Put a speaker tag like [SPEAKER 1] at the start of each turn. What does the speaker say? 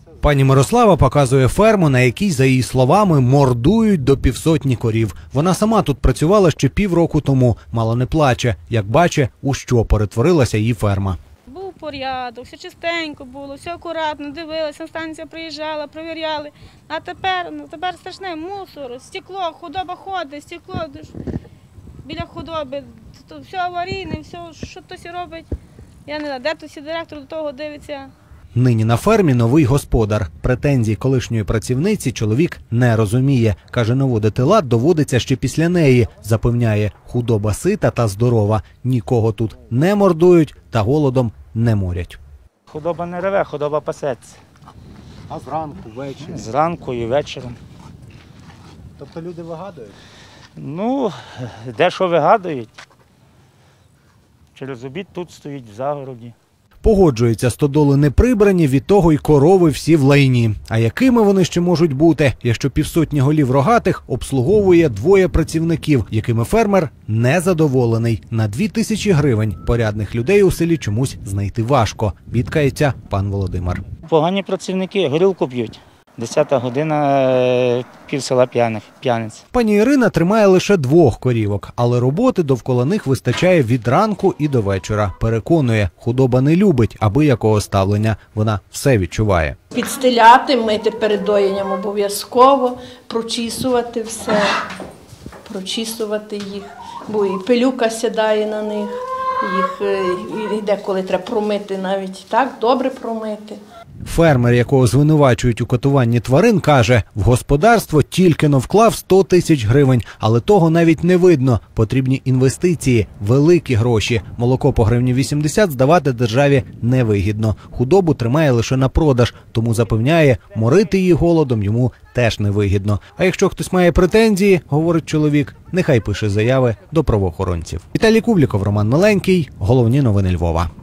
[SPEAKER 1] Пані Мирослава показує ферму, на якій, за її словами, мордують до 500 корів. Вона сама тут працювала ще півроку тому, мало не плаче, як бачить, у що перетворилася її ферма.
[SPEAKER 2] Був порядок, все чистенько було, все акуратно, дивилися, станція приїжджала, перевіряли. А тепер страшне мусор, стекло, худоба ходить, стекло біля худоби, все аварійне, все, що хтось робить. Я не знаю, де тут директор до того дивиться.
[SPEAKER 1] Нині на фермі новий господар. Претензій колишньої працівниці чоловік не розуміє. Каже, наводити лад доводиться ще після неї. Запевняє, худоба сита та здорова. Нікого тут не мордують та голодом не морять.
[SPEAKER 3] Худоба не реве, худоба пасеться.
[SPEAKER 1] А зранку, ввечері?
[SPEAKER 3] Зранку і вечором.
[SPEAKER 1] Тобто люди вигадують?
[SPEAKER 3] Ну, дещо вигадують. Через обід тут стоїть в загороді.
[SPEAKER 1] Погоджується, стодоли не прибрані, від того й корови всі в лайні. А якими вони ще можуть бути, якщо 500 голів рогатих обслуговує 2 працівників, якими фермер незадоволений. На 2000 гривень порядних людей у селі чомусь знайти важко, бідкається пан Володимир.
[SPEAKER 3] Погані працівники, горілку п'ють. 10-та година, пів села п'яниць.
[SPEAKER 1] Пані Ірина тримає лише 2 корівок, але роботи довкола них вистачає від ранку і до вечора. Переконує, худоба не любить абиякого ставлення, вона все відчуває.
[SPEAKER 4] Підстеляти, мити перед доєнням обов'язково, прочісувати все, прочісувати їх, бо і пилюка сідає на них, їх деколи треба промити навіть так, добре промити.
[SPEAKER 1] Фермер, якого звинувачують у катуванні тварин, каже, в господарство тільки-но вклав 100 тисяч гривень, але того навіть не видно. Потрібні інвестиції, великі гроші. Молоко по гривні 80 здавати державі невигідно. Худобу тримає лише на продаж, тому запевняє, морити її голодом йому теж невигідно. А якщо хтось має претензії, говорить чоловік, нехай пише заяви до правоохоронців. Віталій Кубліков, Роман Миленький. Головні новини Львова.